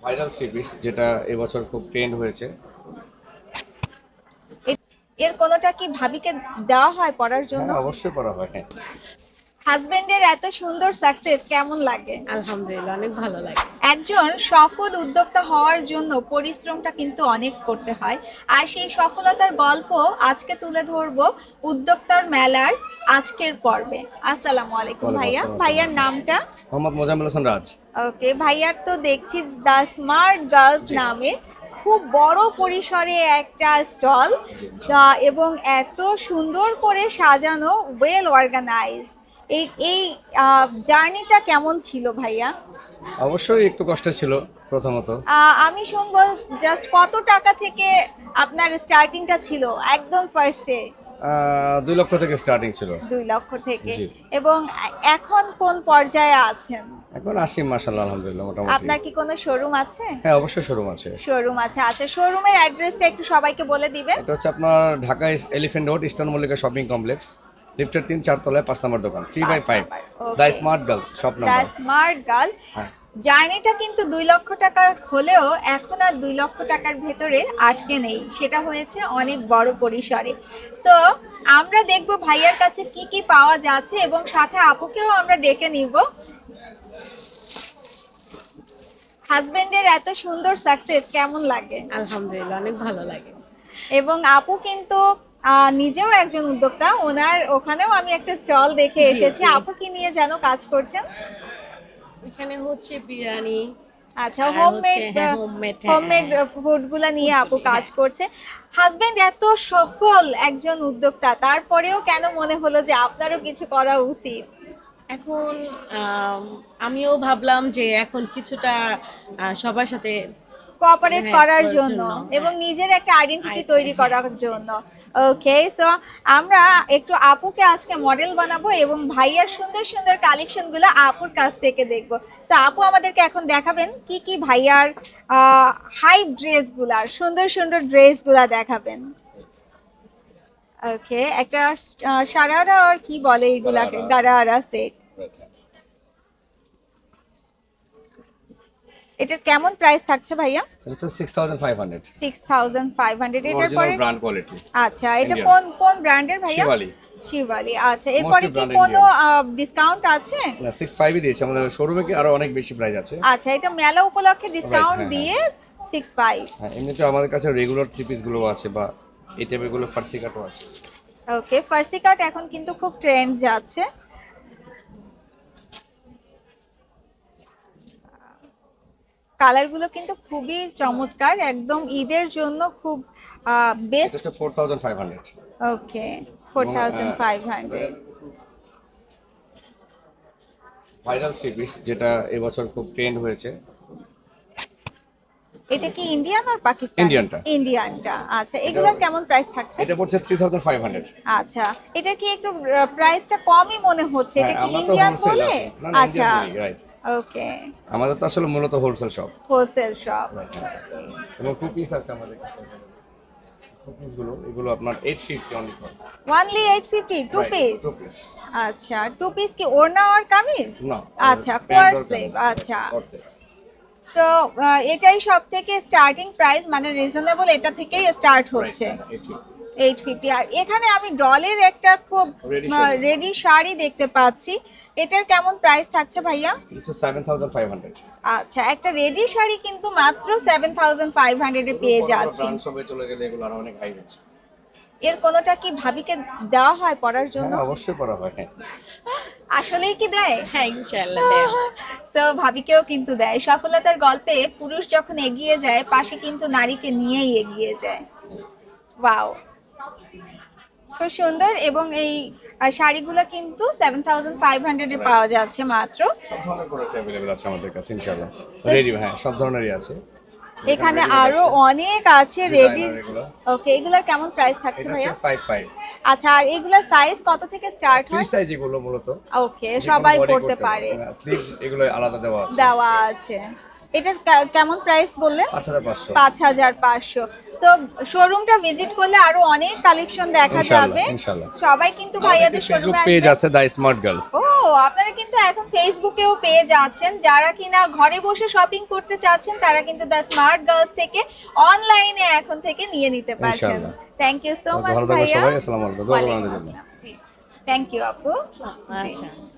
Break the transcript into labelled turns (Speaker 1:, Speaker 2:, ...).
Speaker 1: Viral three piece যেটা এবছর খুব ট্রেন্ড হয়েছে।
Speaker 2: এর কোনোটা কি ভাবিকে দেওয়া হয় পড়ার জন্য?
Speaker 1: হ্যাঁ, অবশ্যই করা হয়। হ্যাঁ,
Speaker 2: হাজবেন্ডের এত সুন্দর সাকসেস কেমন লাগে?
Speaker 3: আলহামদুলিল্লাহ অনেক ভালো লাগে।
Speaker 2: একজন সফল উদ্যোক্তা হওয়ার জন্য পরিশ্রমটা কিন্তু অনেক করতে হয়, আর সেই সফলতার গল্প আজকে তুলে ধরবো উদ্যোক্তার মেলার আজকের পর্বে। আসসালামু আলাইকুম
Speaker 1: ওয়ালাইকুম
Speaker 2: ভাইয়া,
Speaker 1: আসসালাম।
Speaker 2: ভাইয়ার নামটা?
Speaker 1: মোহাম্মদ মোজাম্মেল হাসান রাজ।
Speaker 2: ওকে, ভাইয়ার তো দেখছি দ্য স্মার্ট গার্লস নামে খুব বড় পরিসরে একটা স্টল, এবং এত সুন্দর করে সাজানো, ওয়েল অর্গানাইজ। এই এই জার্নিটা কেমন ছিল ভাইয়া?
Speaker 1: অবশ্যই একটু কষ্ট ছিল প্রথমত।
Speaker 2: আমি শুনবো জাস্ট কত টাকা থেকে আপনার স্টার্টিংটা ছিল একদম ফার্স্টে?
Speaker 1: 2 লক্ষ থেকে স্টার্টিং ছিল।
Speaker 2: 2 লক্ষ থেকে।
Speaker 1: জি।
Speaker 2: এবং এখন কোন পর্যায়ে আছেন?
Speaker 1: এখন আসি মাশাআল্লাহ, আলহামদুলিল্লাহ মোটামুটি।
Speaker 2: আপনার কি কোনো শোরুম আছে?
Speaker 1: হ্যাঁ, অবশ্যই শোরুম আছে।
Speaker 2: শোরুম আছে। আচ্ছা, শোরুমের অ্যাড্রেসটা একটু সবাইকে বলে দিবেন।
Speaker 1: এটা হচ্ছে আপনার Dhaka elephant road, Eastern Mallika shopping complex, লিফটের 3-4 তলায় 5 নম্বর দোকান, 3/5,
Speaker 2: Okay.
Speaker 1: The smart girl shop
Speaker 2: the
Speaker 1: number.
Speaker 2: Smart girl.
Speaker 1: হ্যাঁ,
Speaker 2: জার্নিটা কিন্তু 2 লক্ষ টাকার হলেও এখন আর 2 লক্ষ টাকার ভেতরে আটকে নেই, সেটা হয়েছে অনেক বড় পরিসরে। সো আমরা দেখব ভাইয়ার কাছে কি কি পাওয়া যাচ্ছে, এবং সাথে আপুকেও আমরা ডেকে নিব। হাজবেন্ডের এত সুন্দর সাকসেস কেমন লাগে?
Speaker 3: আলহামদুলিল্লাহ অনেক ভালো লাগে।
Speaker 2: এবং আপু কিন্তু নিজেও একজন উদ্যোক্তা, ওনার ওখানেও আমি একটা স্টল দেখে
Speaker 3: জি,
Speaker 2: এসেছি।
Speaker 3: জি।
Speaker 2: আপু কি নিয়ে যেন কাজ করছেন?
Speaker 3: এখানে হচ্ছে বিরিয়ানি।
Speaker 2: আচ্ছা,
Speaker 3: আর
Speaker 2: হোমমেড
Speaker 3: হচ্ছে, হ্যাঁ, homemade, হ্যাঁ,
Speaker 2: হোমমেড ফুডগুলা নিয়ে আপু কাজ করছে। হাজবেন্ড এত সফল একজন উদ্যোক্তা, তারপরেও কেন মনে হলো যে আপনারও কিছু করা উচিত?
Speaker 3: এখন আমিও ভাবলাম যে এখন কিছুটা সবার সাথে
Speaker 2: কোঅপারেট
Speaker 3: হ্যাঁ,
Speaker 2: করার
Speaker 3: করার
Speaker 2: জন্য
Speaker 3: জন্য,
Speaker 2: এবং
Speaker 3: হ্যাঁ।
Speaker 2: নিজের একটা আইডেন্টিটি
Speaker 3: আচ্ছা,
Speaker 2: তৈরি
Speaker 3: হ্যাঁ।
Speaker 2: করার জন্য। ওকে, সো আমরা একটু আপুকে আজকে মডেল বানাবো এবং ভাইয়ার সুন্দর সুন্দর কালেকশনগুলো আপুর কাছ থেকে দেখবো। সো আপু আমাদেরকে এখন দেখাবেন কি কি ভাইয়ার হাই ড্রেসগুলা, সুন্দর সুন্দর ড্রেসগুলা দেখাবেন। ওকে, একটা সারারা আর কি বলে এগুলাকে, গারারা সেট। এটার কেমন প্রাইস থাকছে ভাইয়া?
Speaker 1: এটা হচ্ছে 6500,
Speaker 2: 6500। এটার
Speaker 1: অরিজিনাল
Speaker 2: পরে
Speaker 1: ব্র্যান্ড কোয়ালিটি।
Speaker 2: আচ্ছা, এটা
Speaker 1: Indian।
Speaker 2: কোন কোন ব্র্যান্ডের ভাইয়া?
Speaker 1: শিবালি।
Speaker 2: শিবালি। আচ্ছা, এরপরে কি
Speaker 1: branded
Speaker 2: কোনো
Speaker 1: Indian।
Speaker 2: ডিসকাউন্ট আছে?
Speaker 1: না, 65 দিয়েছে, আমাদের শোরুমে কি আরো অনেক বেশি প্রাইস আছে।
Speaker 2: আচ্ছা, এটা মেলা উপলক্ষে ডিসকাউন্ট
Speaker 1: হ্যাঁ,
Speaker 2: দিয়ে 65।
Speaker 1: হ্যাঁ, এমনিতে আমাদের কাছে রেগুলার থ্রি পিস গুলো আছে, বা এই টাইপের গুলো ফার্সি কাটও আছে।
Speaker 2: ওকে, ফার্সি কাট এখন কিন্তু খুব ট্রেন্ড যাচ্ছে। কালারগুলো কিন্তু খুবই চমৎকার, একদম ঈদের জন্য খুব
Speaker 1: এটা
Speaker 2: বেস্ট।
Speaker 1: হচ্ছে 4500।
Speaker 2: ওকে, 4500।
Speaker 1: ভাইরাল থ্রি পিস যেটা এবছর খুব ট্রেন্ড হয়েছে।
Speaker 2: এটা কি ইন্ডিয়ান আর পাকিস্তানি?
Speaker 1: ইন্ডিয়ানটা।
Speaker 2: ইন্ডিয়ানটা। আচ্ছা, এগুলোর কেমন প্রাইস থাকছে?
Speaker 1: এটা পড়ছে 3500।
Speaker 2: আচ্ছা, এটা কি একটু প্রাইসটা কমই মনে হচ্ছে, এটা কি
Speaker 1: আমরা তো
Speaker 2: ইন্ডিয়ান
Speaker 1: হোলসেল
Speaker 2: বলে?
Speaker 1: না, না,
Speaker 2: আচ্ছা,
Speaker 1: ইন্ডিয়ান বলি, রাইট।
Speaker 2: ওকে,
Speaker 1: আমাদের তো আসলে মূলত হোলসেল শপ।
Speaker 2: Wholesale shop.
Speaker 1: এবং টু পিস আছে আমাদের কাছে। টু পিস গুলো এগুলো আপনার 850 only for.
Speaker 2: Only 850 two piece?
Speaker 1: Two piece.
Speaker 2: আচ্ছা, টু পিস কি ওড়না আর কামিজ?
Speaker 1: না,
Speaker 2: আচ্ছা,
Speaker 1: প্যান্ট
Speaker 2: কোয়ার
Speaker 1: আর
Speaker 2: স্লিভ।
Speaker 1: কামিজ।
Speaker 2: আচ্ছা,
Speaker 1: কোয়ার সেট।
Speaker 2: সো এটাই সব থেকে স্টার্টিং প্রাইস, মানে রিজনেবল, এটা থেকেই স্টার্ট হচ্ছে।
Speaker 1: রাইট, 850।
Speaker 2: 850। আর এখানে আমি ডলের একটা খুব
Speaker 1: Ready শাড়ি।
Speaker 2: রেডি শাড়ি দেখতে পাচ্ছি, এটার কেমন প্রাইস থাকছে ভাইয়া?
Speaker 1: এটা হচ্ছে 7500।
Speaker 2: আচ্ছা, একটা রেডি শাড়ি কিন্তু মাত্র 7500 এ পেয়ে যাচ্ছি।
Speaker 1: ব্র্যান্ড শপে চলে গেলে এগুলো আরো অনেক হাই হচ্ছে।
Speaker 2: এর কোনোটা কি ভাবিকে দেওয়া হয় পড়ার জন্য?
Speaker 1: হ্যাঁ, অবশ্যই করা হয়। হ্যাঁ,
Speaker 2: আসলেই কি দেয়?
Speaker 3: হ্যাঁ, ইনশাআল্লাহ দেব।
Speaker 2: সো ভাবিকেও কিন্তু দেয়। সফলতার গল্পে পুরুষ যখন এগিয়ে যায়, পাশে কিন্তু নারীকে নিয়েই এগিয়ে যায়। ওয়াও, খুব সুন্দর। এবং এই শাড়িগুলো কিন্তু 7500 এ পাওয়া যাচ্ছে মাত্র।
Speaker 1: সব ধরনের প্রোডাক্ট अवेलेबल আছে আমাদের কাছে ইনশাআল্লাহ। রেডি, হ্যাঁ, সব ধরনেরই আছে।
Speaker 2: এখানে
Speaker 1: ready
Speaker 2: আরো
Speaker 1: আছে।
Speaker 2: অনেক আছে রেডি।
Speaker 1: Designer এগুলো।
Speaker 2: ওকে, এগুলার কেমন প্রাইস থাকছে
Speaker 1: এটা
Speaker 2: ভাইয়া?
Speaker 1: হচ্ছে 55।
Speaker 2: আচ্ছা, আর এগুলার সাইজ কত থেকে স্টার্ট
Speaker 1: ফ্রি
Speaker 2: হয়?
Speaker 1: সাইজ এগুলো মূলত।
Speaker 2: ওকে, সবাই পড়তে পারে,
Speaker 1: স্লিভ এগুলো আলাদা দেওয়া আছে।
Speaker 2: দেওয়া আছে। এটার কেমন প্রাইস বললেন?
Speaker 1: 5500।
Speaker 2: 5500। সো শোরুমটা ভিজিট করলে আরো অনেক কালেকশন দেখা
Speaker 1: ইনশাআল্লাহ,
Speaker 2: যাবে।
Speaker 1: ইনশাআল্লাহ।
Speaker 2: সবাই কিন্তু ভাইয়াদের
Speaker 1: ফেসবুক
Speaker 2: শোরুমে
Speaker 1: পেজ
Speaker 2: আসবে।
Speaker 1: আছে দ্য স্মার্ট গার্লস।
Speaker 2: ও, আপনারা কিন্তু কিন্তু এখন ফেসবুকেও পেয়ে যাচ্ছেন, যারা কিনা ঘরে বসে শপিং করতে চাচ্ছেন তারা কিন্তু দ্য স্মার্ট গার্লস থেকে অনলাইনে এখন থেকে নিয়ে নিতে পারছেন।
Speaker 1: ইনশাআল্লাহ।
Speaker 2: থ্যাংক ইউ সো মাচ
Speaker 1: ভালো থাকবেন
Speaker 2: ভাইয়া।
Speaker 1: সবাই, আসসালামু আলাইকুম। দোয়া করবেন আমাদের জন্য।
Speaker 2: জি থ্যাংক ইউ আপু। জি।
Speaker 3: আচ্ছা